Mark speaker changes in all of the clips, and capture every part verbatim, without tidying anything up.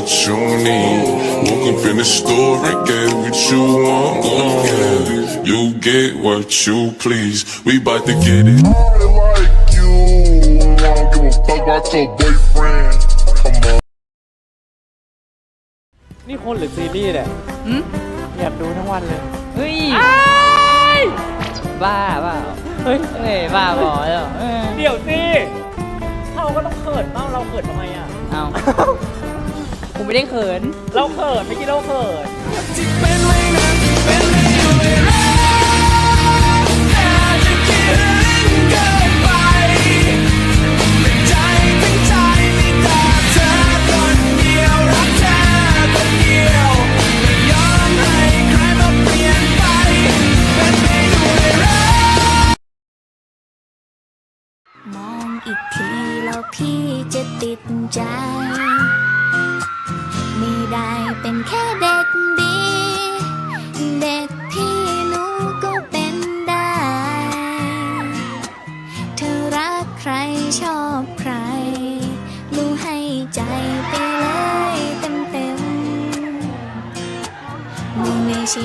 Speaker 1: what you need. Woke up in the store and get what you want. Yeah. You get what you please. We bout to get it. I like you. I don't give a fuck about your boyfriend. Come on.
Speaker 2: นี่คนหรือซีรีส์เนี่ยอยากดูทั้งวันเลย
Speaker 3: เฮ้ยบ้าเปล่าเฮ้ยเฮ้ยบ้าบอแล้ว
Speaker 2: เดี๋ยวสิเขาก็ต้องเขินบ้างเราเขินทำไมอ่ะ
Speaker 3: เอากูไม่ได้เขิน
Speaker 2: เราเขินไม่อกี้เราเขิน
Speaker 4: มองอีกทีแล้วพี่จะติดใจไม่ได้เป็นแค่เด็กดีเด็กพี่หนูก็เป็นได้เธอรักใครชอบใครหนูให้ใจไปเลยเต็มเต็มหนูไม่ใช่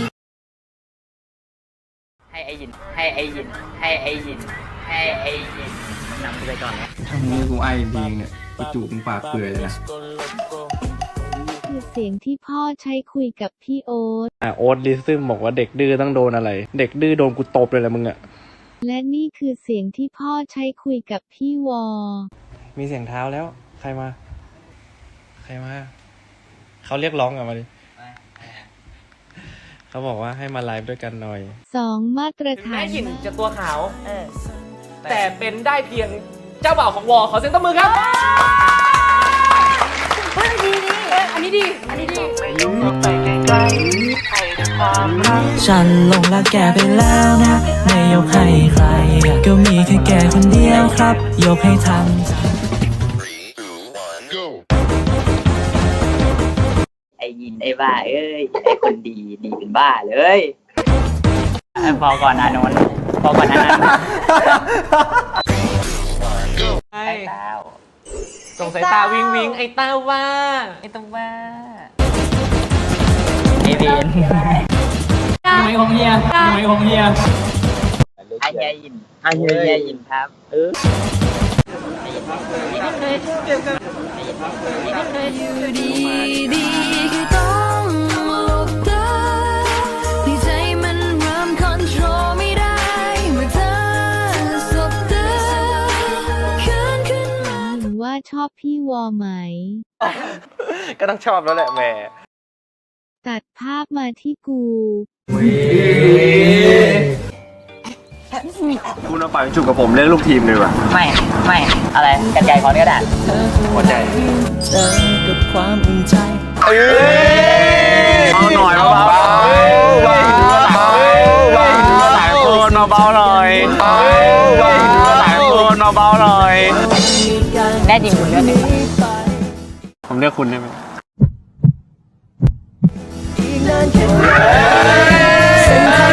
Speaker 3: ให้ไอยินให้ไอยินให้ไอยินให้ไอยินนำกูไปก่อนนะ
Speaker 5: ถ้ามึงกูไอจริงเนี่ยกูจูบมึงปากเปื่อยเลยนะ
Speaker 6: คือเสียงที่พ่อใช้คุยกับพี่โอ๊ต
Speaker 2: อ่ะโอ๊ตลิซึมบอกว่าเด็กดื้อต้องโดนอะไรเด็กดื้อโดนกูตบเลยแหละมึงอ่ะ
Speaker 6: และนี่คือเสียงที่พ่อใช้คุยกับพี่วอ
Speaker 2: มีเสียงเท้าแล้วใครมาใครมาเขาเรียกร้องกลับมาดิเขาบอกว่าให้มาไลฟ์ด้วยกันหน่อย
Speaker 6: สองมาตรฐาน
Speaker 2: แม่หญิงจะตัวขาวแต่เป็นได้เพียงเจ้าบ่าวของวอขอเสียงตบมือครับ
Speaker 3: เฮ้ยดีดีอันนี้ดีอันนี้ดี
Speaker 7: ฉันลงรักแกไปแล้วนะไม่ยกให้ใครก็มีแค่แกคนเดียวครับยกให้ทัน
Speaker 3: ไอ้ยินไอ้บ้าเอ้ยไอ้คนดีดีเป็นบ้าเลยพอก่อนอานนท์พอก่อนอานนท์
Speaker 2: ไอ้เต้าส่งสายตาวิงวิงไอ้เต้าว่า
Speaker 3: ไอ้เต้าว่าไอ้เวน
Speaker 7: หน่วยของเฮียหน่วยของเฮีย
Speaker 3: ไอ้เฮียยินไอ้เฮียยินครับเออไอ้ยินไม่เคยเจอกันไอ้ยินไม่เคยอยู่ดีดีคือต้องหลบตาที่ใจมันเริ่มคอนโทรลไม่ได้เมื่อเธอสบตาขึ้นขึ้นมา
Speaker 6: หรือว่าชอบพี่วอไหม
Speaker 2: ก็ต้องชอบแล้วแหละแม่
Speaker 6: ตัดภาพมาที่กู
Speaker 5: คุณเอาไปจุกกับผมเล่นลูกทีมเลยว่ะ
Speaker 3: ไม่ไม่อะไรกันไกลคอนกระดาษ
Speaker 5: หัวใจ
Speaker 7: เจอกับความอุ่นใจ
Speaker 5: เอาหน่อยเบาๆเบาๆหลายคนเบาๆหน่อยหลายคนเบาๆหน่อย
Speaker 3: แน่จริงคุณเลือกไหน
Speaker 5: ผมเลือกคุณได้ไหม
Speaker 7: เส้นทาง